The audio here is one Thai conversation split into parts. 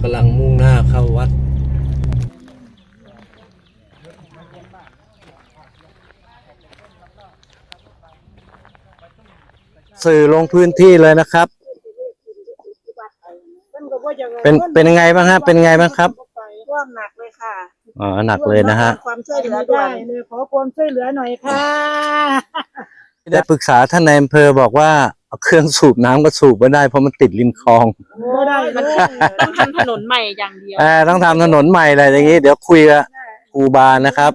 กำลังมุ่งหน้าเข้าวัดสื่อลงพื้นที่เลยนะครับเป็นยังไงบ้างฮะเป็นยังไงบ้างครับท่วมหนักเลยค่ะอ๋อหนักเลยนะฮะความช่วยเหลือด่วนเลยขอความช่วยเหลือหน่อยค่ะได้ปรึกษาท่านนายอำเภอบอกว่าเอาเครื่องสูบน้ำก็สูบไม่ได้เพราะมันติดริมคลองไม่ได้ต้องทำถนนใหม่อย่างเดียวต้องทำถนนใหม่อะไรอย่างนี้เดี๋ยวคุยกับครูบานะครับ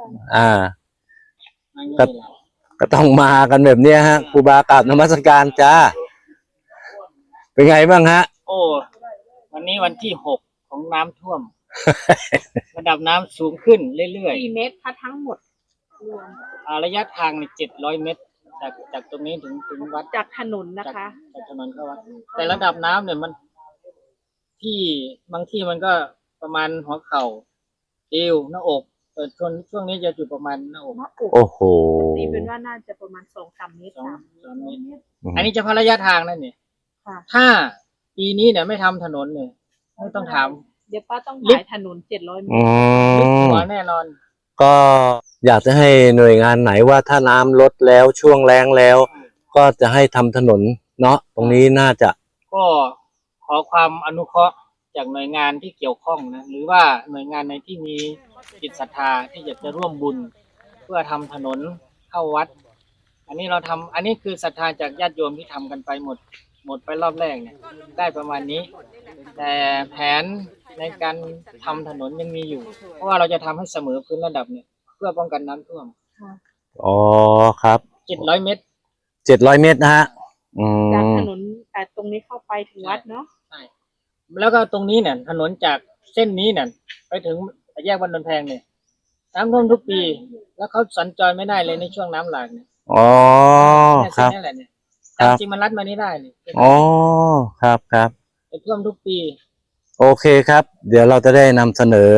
ก็ต้องมากันแบบนี้ฮะครูบากราบนมัสการจ้าเป็นไงบ้างฮะโอ้วันนี้วันที่6ของน้ำท่วม ระดับน้ำสูงขึ้นเรื่อยๆ4 เมตรทั้งหมดระยะทาง700 เมตรจากตรงนี้ถึงวัดจากถนนนะคะจากถนนเข้าวัดแต่ระดับน้ำเนี่ยมันที่บางที่มันก็ประมาณหัวเข่าเอวหน้าอกช่วงนี้จะอยู่ประมาณหน้าอกโอ้โหตีเป็นว่าน่าจะประมาณ2-3 เมตร3 เมตรอันนี้จะพาระยะทางนั่นเนี่ยถ้าปีนี้เนี่ยไม่ทำถนนเนี่ยไม่ต้องถามเดี๋ยวป้าต้องขายถนน700 เมตรลึกหัวแน่นอนก็อยากจะให้หน่วยงานไหนว่าถ้าน้ำลดแล้วช่วงแล้งแล้วก็จะให้ทำถนนเนาะตรงนี้น่าจะก็ขอความอนุเคราะห์จากหน่วยงานที่เกี่ยวข้องนะหรือว่าหน่วยงานในที่มีจิตศรัทธาที่อยากจะร่วมบุญเพื่อทำถนนเข้าวัดอันนี้คือศรัทธาจากญาติโยมที่ทำกันไปหมดไปรอบแรกเนี่ยได้ประมาณนี้แต่แผนในการทำถนนยังมีอยู่เพราะว่าเราจะทำให้เสมอพื้นระดับเนี่ยเพื่อป้องกันน้ำท่วมอ๋อครับ 700 เมตร 700 เมตรนะฮะจากถนนตรงนี้เข้าไปถึงวัดเนาะใช่แล้วก็ตรงนี้เนี่ยถนนจากเส้นนี้เนี่ยไปถึงแยกบ้านนนแพงเนี่ยน้ำท่วมทุกปีแล้วเขาสัญจรไม่ได้เลยในช่วงน้ำหลากเนี่ยอ๋อครับจริงมันลัดมานี่ได้เลยอ๋อครับท่วมทุกปีโอเคครับเดี๋ยวเราจะได้นำเสนอ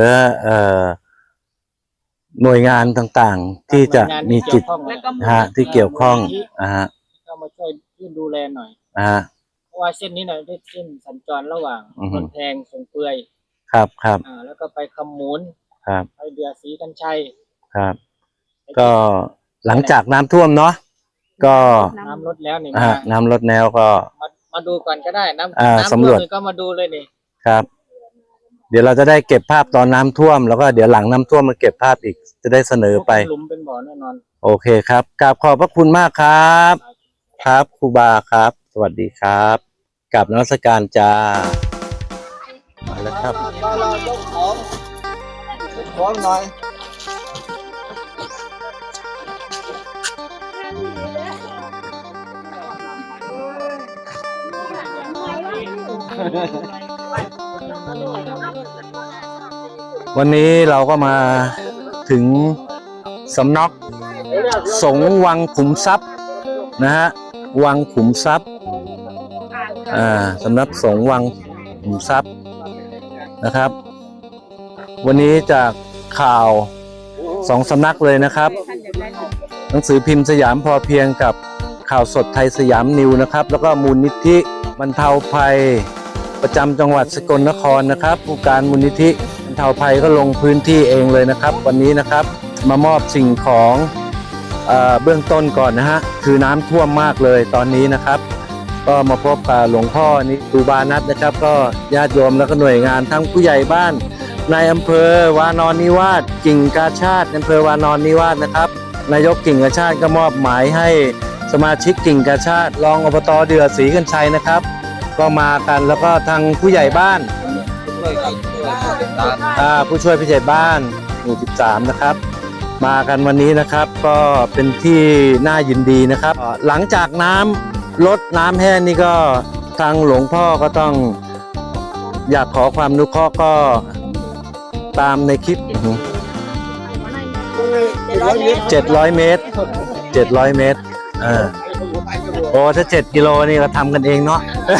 หน่วยงานต่างๆที่จะมีจิตที่เกี่ยวข้องเข้ามาช่วยดูแลหน่อยเพราะว่าเส้นนี้เนี่ยได้เส้นสัญจรระหว่างนนแพงสงเปื่อยครับแล้วก็ไปคำมูลไปเดือศรีกันชัยครับก็หลังจากน้ำท่วมเนาะก็น้ำลดแล้วนี่น้ำลดแล้วก็มาดูก่อนก็ได้น้ำสำรวจก็มาดูเลยนี่ครับเดี๋ยวเราจะได้เก็บภาพตอนน้ำท่วมแล้วก็เดี๋ยวหลังน้ำท่วมมาเก็บภาพอีกจะได้เสนอไปหลุมเป็นบ่อแน่นอนโอเคครับกราบขอบพระคุณมากครับครับครูบาครับสวัสดีครับกราบนมัสการจ้ามาแล้วครับของหน่อยวันนี้เราก็มาถึงสำนักสงฆ์วังขุมทรัพย์นะฮะวังขุมทรัพย์สำนักสงฆ์วังขุมทรัพย์นะครับวันนี้จากข่าว2 สำนักเลยนะครับหนังสือพิมพ์สยามพอเพียงกับข่าวสดไทยสยามนิวนะครับแล้วก็มูลนิธิบรรเทาภัยประจำจังหวัดสกลนครนะครับผู้การมูลนิธิบรรเทาภัยก็ลงพื้นที่เองเลยนะครับวันนี้นะครับมามอบสิ่งของเบื้องต้นก่อนนะฮะคือน้ำท่วมมากเลยตอนนี้นะครับก็มาพบกับหลวงพ่อนิตูบานัทนะครับก็ญาติโยมแล้วก็หน่วยงานทั้งผู้ใหญ่บ้านในอำเภอวานอนนิวาสกิ่งกาชาติอำเภอวานอนนิวาสนะครับนายกกิ่งกาชาติก็มอบหมายให้สมาชิกกิ่งกาชาติรองอบต.เดือศรีกันชัยนะครับก็มากันแล้วก็ทางผู้ใหญ่บ้านผู้ช่วยผู้ใหญ่บ้านหมู่13นะครับมากันวันนี้นะครับก็เป็นที่น่ายินดีนะครับหลังจากน้ำลดน้ำแห้งนี่ก็ทางหลวงพ่อก็ต้องอยากขอความอนุเคราะห์ก็ตามในคลิป700 เมตรโอ้ถ้า7 กิโลนี่ก็ทำกันเองเนาะ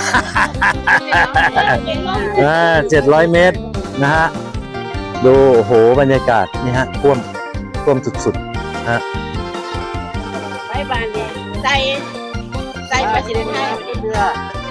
700 เมตรนะฮะดูโอ้โหบรรยากาศนี่ฮะท่วมสุดๆฮะไปบ้านนี่ใส่ประสิทธิ์ให้เรือ